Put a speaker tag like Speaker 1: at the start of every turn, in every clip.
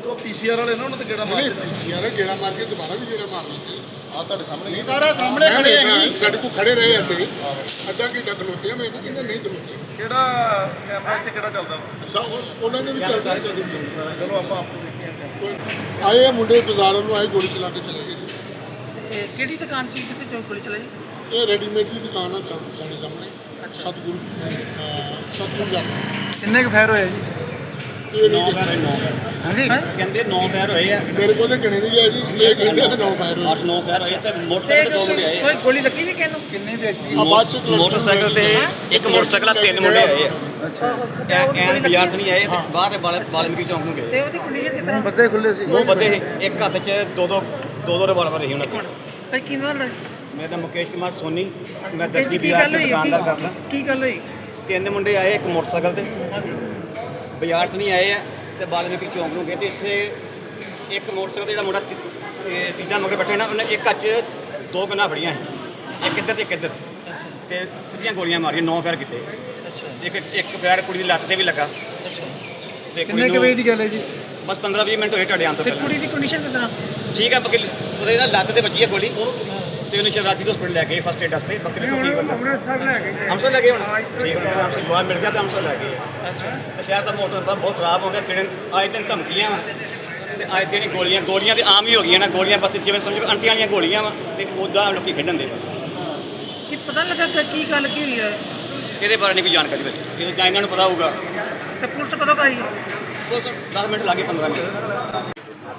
Speaker 1: तो पीसीआर वाले ना उन्होंने गेड़ा मार दिया
Speaker 2: पीसीआर गेड़ा मार के दोबारा भी गेड़ा मार लेते
Speaker 1: आ ਤੁਹਾਡੇ ਸਾਹਮਣੇ
Speaker 2: नहीं तारा सामने खड़े हैं सड़क को खड़े रहे थे ਅੱਧਾ ਘੰਟਾ ਖਲੋਤੇ ਮੈਂ ਨਹੀਂ ਕਹਿੰਦਾ ਨਹੀਂ ਖਲੋਤੇ
Speaker 1: ਕਿਹੜਾ ਕੈਮਰਾ ਇੱਥੇ ਕਿਹੜਾ ਚੱਲਦਾ
Speaker 2: ਉਹਨਾਂ ਦੇ ਵੀ ਚੱਲਦਾ ਚੱਲਦਾ
Speaker 1: ਚਲੋ ਆਪਾਂ ਆਪਕੋ ਦੇਖੀਏ
Speaker 2: ਆਏ ਆ ਮੁੰਡੇ ਬਾਜ਼ਾਰ ਨੂੰ ਆਏ ਗੋਲੀ ਚਲਾ ਕੇ ਚਲੇ ਗਏ ਜੀ।
Speaker 3: ਕਿਹੜੀ ਦੁਕਾਨ ਸੀ ਜਿੱਥੇ ਚੋਂ ਗੋਲੀ ਚਲਾਈ?
Speaker 2: ਇਹ ਰੈਡੀਮੇਡ ਦੀ ਦੁਕਾਨ ਆ ਸਾਡੇ ਸਾਹਮਣੇ ਸਤਗੁਰੂ ਦਾ
Speaker 3: ਕਿੰਨੇ ਕੁ ਫਾਇਰ ਹੋਏ ਜੀ?
Speaker 2: ਇਹ ਨਹੀਂ
Speaker 3: ਹਾਂਜੀ
Speaker 4: ਕਹਿੰਦੇ 9 ਫਾਇਰ ਹੋਏ ਆ,
Speaker 2: ਮੇਰੇ ਕੋਲ ਤਾਂ ਗਿਣੇ ਨਹੀਂ ਹੈ ਜੀ ਇਹ ਕਹਿੰਦੇ ਕਿ 9 ਫਾਇਰ ਹੋਏ
Speaker 4: 8-9 ਫਾਇਰ ਹੋਏ ਤੇ ਮੋਟਰਸਾਈਕਲ ਤੇ 2 ਮੁੰਡੇ ਆਏ
Speaker 3: ਕੋਈ ਗੋਲੀ ਲੱਗੀ ਸੀ ਕਿਹਨੂੰ? ਕਿੰਨੇ ਵਿਅਕਤੀ?
Speaker 2: ਆ ਬਾਅਦ ਚ
Speaker 4: ਮੋਟਰਸਾਈਕਲ ਤੇ ਇੱਕ ਮੋਟਰਸਾਈਕਲ ਆ 3 ਮੁੰਡੇ ਆਏ ਆ। ਐਨ ਬਾਜ਼ਾਰ ਤੋਂ ਨਹੀਂ ਆਏ ਤੇ ਬਾਹਰ ਵਾਲਮੀਕੀ ਚੌਂਕ ਨੂੰ ਗਏ।
Speaker 3: ਤੇ ਉਹਦੀ ਕੰਡੀਸ਼ਨ ਕਿਸ ਤਰ੍ਹਾਂ?
Speaker 1: ਬੱਦੇ ਖੁੱਲੇ ਸੀ
Speaker 4: ਉਹ ਬੰਦੇ ਸੀ, ਇੱਕ ਹੱਥ 'ਚ ਦੋ ਰਿਵਾਲਵਰ ਰਹੀ ਉਹਨਾਂ ਕੋਲ।
Speaker 3: ਭਾਈ ਕੀ ਨਾਮ ਹੈ?
Speaker 4: ਮੇਰਾ ਨਾਮ ਮੁਕੇਸ਼ ਕੁਮਾਰ ਸੋਨੀ, ਮੈਂ
Speaker 3: ਕੀ
Speaker 4: ਦਸਤੀ
Speaker 3: ਕੀ
Speaker 4: ਬਾਜ਼ਾਰ
Speaker 3: ਗੱਲ
Speaker 4: ਤੇ
Speaker 3: ਹੋਈ?
Speaker 4: ਦੁਕਾਨਦਾਰ ਕਰਦਾ।
Speaker 3: ਕੀ ਗੱਲ ਹੋਈ?
Speaker 4: 3 ਮੁੰਡੇ ਆਏ ਇੱਕ ਮੋਟਰਸਾਈਕਲ ਤੇ ਬਾਜ਼ਾਰ 'ਚ ਨਹੀਂ ਆਏ ਆ ਤੇ ਵਾਲਮੀਕੀ ਚੌਂਕ ਨੂੰ ਗਏ ਤੇ ਇੱਥੇ ਇੱਕ ਮੋਟਰਸਾਈਕਲ ਤੇ ਜਿਹੜਾ ਮੁੰਡਾ ਤੀਜਾ ਮਗਰ ਬੈਠਾ ਨਾ ਉਹਨੇ ਇੱਕ ਹੱਥ 'ਚ 2 ਗੰਨਾਂ ਫੜੀਆਂ ਸੀ, ਇੱਕ ਇੱਧਰ ਤੇ ਇੱਕ ਇੱਧਰ ਤੇ ਸਿੱਧੀਆਂ ਗੋਲੀਆਂ ਮਾਰੀਆਂ, 9 ਫਾਇਰ ਕੀਤੇ। ਇੱਕ ਫਾਇਰ ਕੁੜੀ ਦੀ ਲੱਤ ਤੇ ਵੀ ਲੱਗਾ ਤੇ
Speaker 3: ਕਿੰਨੇ ਕੁ ਵਜੇ ਦੀ ਗੱਲ ਹੈ ਜੀ?
Speaker 4: ਬਸ 15-20 ਮਿੰਟ ਹੋਏ ਤੁਹਾਡੇ ਆਉਣ ਤੋਂ
Speaker 3: ਤੇ
Speaker 4: ਪਹਿਲਾਂ।
Speaker 3: ਕੁੜੀ ਦੀ ਕੰਡੀਸ਼ਨ ਕਿਸ ਤਰ੍ਹਾਂ?
Speaker 4: ਠੀਕ ਆ ਬਾਕੀ ਉਹਦੇ ਨਾਲ ਲੱਤ ਤੇ ਵੱਜੀ ਹੈ ਗੋਲੀ ਤੇ ਉਹਨੇ ਸ਼ਰਾਤੀ ਤੋਂ ਹਸਪੀਟਲ ਲੈ ਗਏ ਫਸਟ ਏਡ ਵਾਸਤੇ। ਬੱਕਰੀ ਤੋਂ ਠੀਕ ਹੁੰਦਾ ਅੰਮ੍ਰਿਤਸਰ ਲੈ ਗਏ ਹੁਣ ਠੀਕ ਹੁੰਦਾ ਅੰਮ੍ਰਿਤਸਰ ਜਵਾਬ ਮਿਲ ਗਿਆ ਤਾਂ ਅੰਮ੍ਰਿਤਸਰ ਲੈ ਗਏ ਤੇ ਸ਼ਹਿਰ ਦਾ ਮੋਟਰ ਬਹੁਤ ਖਰਾਬ ਹੋ ਗਿਆ। ਆਏ ਦਿਨ ਧਮਕੀਆਂ ਵਾ ਤੇ ਆਏ ਦਿਨ ਗੋਲੀਆਂ ਤੇ ਆਮ ਹੀ ਹੋ ਗਈਆਂ ਨਾ। ਗੋਲੀਆਂ ਬਸ ਜਿਵੇਂ ਸਮਝੋ ਅੰਟੀਆਂ ਵਾਲੀਆਂ ਗੋਲੀਆਂ ਵਾ ਤੇ ਉੱਦਾਂ ਲੋਕੀ ਖੇਡਣ ਦੇ ਬਸ।
Speaker 3: ਕੀ ਪਤਾ ਲੱਗਾ ਕਿ ਕੀ ਗੱਲ ਕੀ ਹੋਈ ਹੈ?
Speaker 4: ਇਹਦੇ ਬਾਰੇ ਨਹੀਂ ਕੋਈ ਜਾਣਕਾਰੀ ਮਿਲੀ, ਜਦੋਂ ਜਾਂ ਇਹਨਾਂ ਨੂੰ ਪਤਾ ਹੋਊਗਾ।
Speaker 3: ਤੇ ਪੁਲਿਸ ਕਦੋਂ ਆਈ?
Speaker 4: ਉਹ 10 ਮਿੰਟ ਲੱਗੇ 15 ਮਿੰਟ।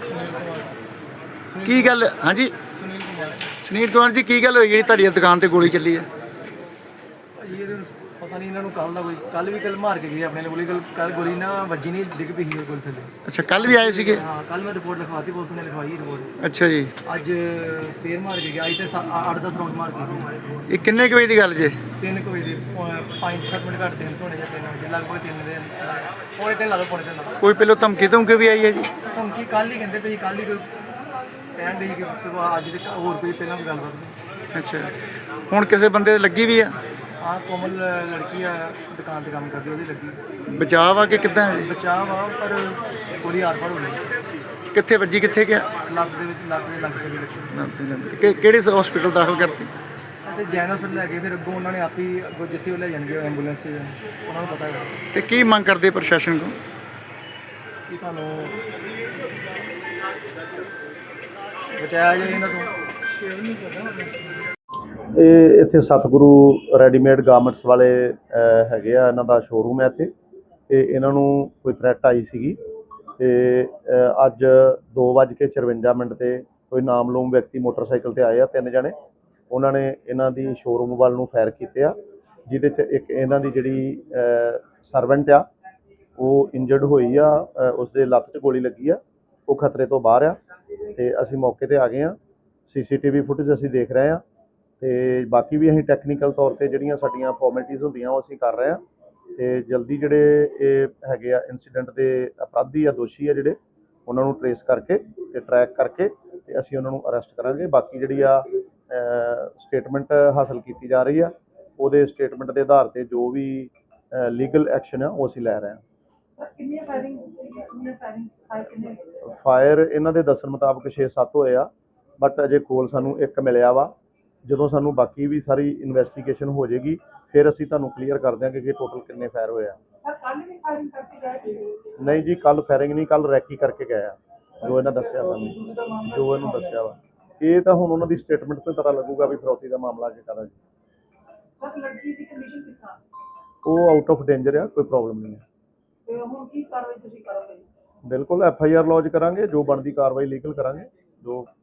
Speaker 5: ਕੀ ਗੱਲ? ਹਾਂਜੀ ਸੁਨੀਲ ਕੁਮਾਰ ਜੀ, ਕੀ ਗੱਲ ਹੋਈ ਜਿਹੜੀ ਤੁਹਾਡੀ ਦੁਕਾਨ ਤੇ ਗੋਲੀ ਚੱਲੀ ਹੈ?
Speaker 6: ਇਹ ਪਤਾ ਨਹੀਂ ਇਹਨਾਂ ਨੂੰ ਕੱਲ ਵੀ ਮਾਰ ਕੇ ਗਏ ਆਪਣੇ ਗੋਲੀ। ਕੱਲ ਗੋਲੀ ਨਾ ਵੱਜੀ ਨਹੀਂ, ਡਿੱਗ ਪਈ ਸੀ ਗੋਲੀ ਥੱਲੇ।
Speaker 5: ਅੱਛਾ, ਕੱਲ ਵੀ ਆਏ ਸੀਗੇ?
Speaker 6: ਹਾਂ, ਕੱਲ ਮੈਂ ਰਿਪੋਰਟ ਲਿਖਵਾਤੀ, ਪੁਲਿਸ ਨੇ ਲਿਖਵਾਈ ਰਿਪੋਰਟ।
Speaker 5: ਅੱਛਾ ਜੀ।
Speaker 6: ਅੱਜ ਫੇਰ ਮਾਰ ਕੇ ਗਿਆ। ਅੱਜ ਤੇ 8-10 ਰਾਉਂਡ ਮਾਰ ਕੇ ਗਏ।
Speaker 5: ਇਹ ਕਿੰਨੇ ਕੁ ਵਜੇ ਦੀ ਗੱਲ ਜੇ?
Speaker 6: 3 ਵਜੇ ਦੇ 5-7 ਮਿੰਟ ਘੱਟ ਦਿਨ ਹੋਣੇ ਜਾਂ 3 ਵਜੇ ਲਗਭਗ 3 ਦੇ ਪੌਣੇ 3 ਲਾ ਲਓ, ਪੌਣੇ 3 ਲਾ ਲਓ।
Speaker 5: ਕੋਈ ਪਹਿਲੋਂ ਧਮਕੀ ਵੀ ਆਈ ਹੈ ਜੀ?
Speaker 6: ਧਮਕੀ ਕੱਲ ਹੀ ਕਹਿੰਦੇ ਪਈ, ਕੱਲ ਹੀ ਕੋਈ ਕਹਿਣ ਦੇ ਕਿ ਅੱਜ ਦੇ ਹੋਰ ਕੋਈ ਪਹਿਲਾਂ ਕੋਈ ਗੱਲਬਾਤ ਨਹੀਂ।
Speaker 5: ਅੱਛਾ, ਹੁਣ ਕਿਸੇ ਬੰਦੇ ਦੀ ਲੱਗੀ ਵੀ ਆ?
Speaker 6: ਹਾਂ, ਕੋਮਲ ਲੜਕੀ ਆ, ਦੁਕਾਨ ਤੇ ਕੰਮ ਕਰਦੀ, ਉਹਦੀ ਲੱਗੀ।
Speaker 5: ਬਚਾਅ ਆ ਕਿ ਕਿੱਦਾਂ ਹੈ?
Speaker 6: ਬਚਾਅ ਵਾ ਪਰ ਗੋਲੀ ਆਰ-ਪਾਰ ਹੋ ਗਈ।
Speaker 5: ਕਿੱਥੇ ਵੱਜੀ, ਕਿੱਥੇ ਗਿਆ?
Speaker 6: ਲੱਗ ਦੇ ਵਿੱਚ ਲੱਗ ਚਲੀ ਲੱਗੀ।
Speaker 5: ਕਿਹੜੇ ਹਸਪੀਟਲ ਦਾਖਲ ਕਰਤੀ?
Speaker 6: ਅਤੇ ਜੈਨ ਹਸਪਤਾਲ ਲੈ ਗਏ, ਫਿਰ ਅੱਗੋਂ ਉਹਨਾਂ ਨੇ ਆਪ ਹੀ ਅੱਗੋਂ ਜਿੱਥੇ ਉਹ ਲੈ ਜਾਣਗੇ ਐਂਬੂਲੈਂਸ 'ਚ, ਉਹਨਾਂ ਨੂੰ ਪਤਾ ਹੈ।
Speaker 5: ਤੇ ਕੀ ਮੰਗ ਕਰਦੇ ਪ੍ਰਸ਼ਾਸਨ ਕੋਲ?
Speaker 6: ਕਿ ਤੁਹਾਨੂੰ ਬਚਾਇਆ ਜਾਏ ਇਹਨਾਂ ਤੋਂ।
Speaker 7: ਇਹ ਇੱਥੇ ਸਤਿਗੁਰੂ ਰੈਡੀਮੇਡ ਗਾਰਮੈਂਟਸ ਵਾਲੇ ਹੈਗੇ ਆ, ਇਹਨਾਂ ਦਾ ਸ਼ੋਰੂਮ ਹੈ ਇੱਥੇ। ਤੇ ਇਹਨਾਂ ਨੂੰ ਕੋਈ ਥ੍ਰੈਟ ਆਈ ਸੀਗੀ ਤੇ ਅੱਜ 2:54 ਤੇ ਕੋਈ ਨਾਮਲੂਮ ਵਿਅਕਤੀ ਮੋਟਰਸਾਈਕਲ ਤੇ ਆਏ ਆ, 3 ਜਣੇ। ਉਹਨਾਂ ਨੇ ਇਹਨਾਂ ਦੀ ਸ਼ੋਰੂਮ ਵੱਲ ਨੂੰ ਫਾਇਰ ਕੀਤੇ ਆ, ਜਿਹਦੇ 'ਚ ਇੱਕ ਇਹਨਾਂ ਦੀ ਜਿਹੜੀ ਸਰਵੈਂਟ ਆ ਉਹ ਇੰਜਰਡ ਹੋਈ ਆ, ਉਸਦੇ ਲੱਤ 'ਚ ਗੋਲੀ ਲੱਗੀ ਆ, ਉਹ ਖਤਰੇ ਤੋਂ ਬਾਹਰ ਆ। ਤੇ ਅਸੀਂ ਮੌਕੇ ਤੇ ਆ ਗਏ ਆ, CCTV ਫੁਟੇਜ ਅਸੀਂ ਦੇਖ ਰਹੇ ਆ ਤੇ ਬਾਕੀ ਵੀ ਅਸੀਂ ਟੈਕਨੀਕਲ ਤੌਰ ਤੇ ਜਿਹੜੀਆਂ ਸਾਡੀਆਂ ਫਾਰਮੈਲਿਟੀਜ਼ ਹੁੰਦੀਆਂ ਉਹ ਅਸੀਂ ਕਰ ਰਹੇ ਆ ਤੇ ਜਲਦੀ ਜਿਹੜੇ ਇਹ ਹੈਗੇ ਆ ਇਨਸੀਡੈਂਟ ਦੇ ਅਪਰਾਧੀ ਆ, ਦੋਸ਼ੀ ਆ ਜਿਹੜੇ, ਉਹਨਾਂ ਨੂੰ ਟਰੇਸ ਕਰਕੇ ਤੇ ਟਰੈਕ ਕਰਕੇ ਤੇ ਅਸੀਂ ਉਹਨਾਂ ਨੂੰ ਅਰੈਸਟ ਕਰਾਂਗੇ। ਬਾਕੀ ਜਿਹੜੀ ਆ ਸਟੇਟਮੈਂਟ ਹਾਸਲ ਕੀਤੀ ਜਾ ਰਹੀ ਆ, ਉਹਦੇ ਸਟੇਟਮੈਂਟ ਦੇ ਆਧਾਰ ਤੇ ਜੋ ਵੀ ਲੀਗਲ ਐਕਸ਼ਨ ਆ ਉਹ ਅਸੀਂ ਲੈ ਰਹੇ ਆ। ਫਾਇਰ ਇਹਨਾਂ ਦੇ ਦੱਸਣ ਮੁਤਾਬਕ 6-7 ਹੋਏ ਆ, ਬਟ ਅਜੇ ਕੋਲ ਸਾਨੂੰ 1 ਮਿਲਿਆ ਵਾ। ਜਦੋਂ ਸਾਨੂੰ ਬਾਕੀ ਵੀ ਸਾਰੀ ਇਨਵੈਸਟੀਗੇਸ਼ਨ ਹੋ ਜਾਏਗੀ ਫਿਰ ਅਸੀਂ ਤੁਹਾਨੂੰ ਕਲੀਅਰ ਕਰ ਦਿਆਂਗੇ ਕਿ ਟੋਟਲ ਕਿੰਨੇ ਫਾਇਰ ਹੋਏ ਆ। ਨਹੀਂ ਜੀ, ਕੱਲ ਫਾਇਰਿੰਗ ਨਹੀਂ, ਕੱਲ ਰੈਕੀ ਕਰਕੇ ਗਏ ਆ, ਜੋ ਇਹਨਾਂ ਦੱਸਿਆ ਸਾਨੂੰ, ਜੋ ਇਹਨੂੰ ਦੱਸਿਆ ਵਾ। ਇਹ ਤਾਂ ਹੁਣ ਉਹਨਾਂ ਦੀ ਸਟੇਟਮੈਂਟ ਤੋਂ ਪਤਾ ਲੱਗੂਗਾ ਵੀ ਫਿਰੌਤੀ ਦਾ ਮਾਮਲਾ ਜੇ ਕਾਹਦਾ ਜੀ। ਉਹ ਆਊਟ ਆਫ ਡੇਂਜਰ ਆ, ਕੋਈ ਪ੍ਰੋਬਲਮ ਨਹੀਂ ਹੈ। ਬਿਲਕੁਲ FIR ਲੌਜ ਕਰਾਂਗੇ, ਜੋ ਬਣਦੀ ਕਾਰਵਾਈ ਲੀਗਲ ਕਰਾਂਗੇ, ਜੋ